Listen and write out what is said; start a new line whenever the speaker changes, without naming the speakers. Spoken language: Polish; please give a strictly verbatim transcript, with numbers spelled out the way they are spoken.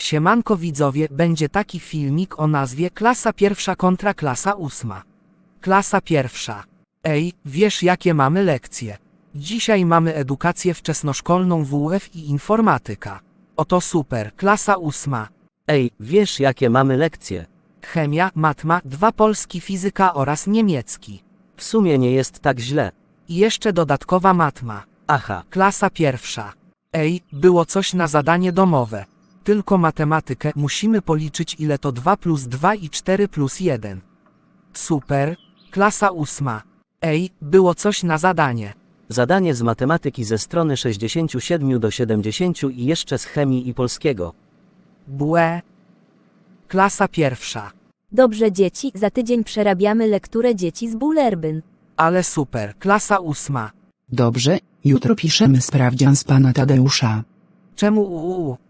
Siemanko widzowie, będzie taki filmik o nazwie Klasa pierwsza kontra klasa ósma. Klasa pierwsza. Ej, wiesz jakie mamy lekcje? Dzisiaj mamy edukację wczesnoszkolną W U F i informatyka. Oto super, klasa ósma.
Ej, wiesz jakie mamy lekcje?
Chemia, matma, dwa polski, fizyka oraz niemiecki.
W sumie nie jest tak źle.
I jeszcze dodatkowa matma.
Aha,
Klasa pierwsza. Ej, było coś na zadanie domowe. Tylko matematykę, musimy policzyć ile to dwa plus dwa i cztery plus jeden. Super. Klasa ósma. Ej, było coś na zadanie.
zadanie z matematyki ze strony sześćdziesiąt siedem do siedemdziesięciu i jeszcze z chemii i polskiego.
Błe. Klasa pierwsza.
Dobrze dzieci, za tydzień przerabiamy lekturę dzieci z Bullerbyn.
Ale super. Klasa ósma.
Dobrze, jutro piszemy sprawdzian z pana Tadeusza.
Czemu uuu?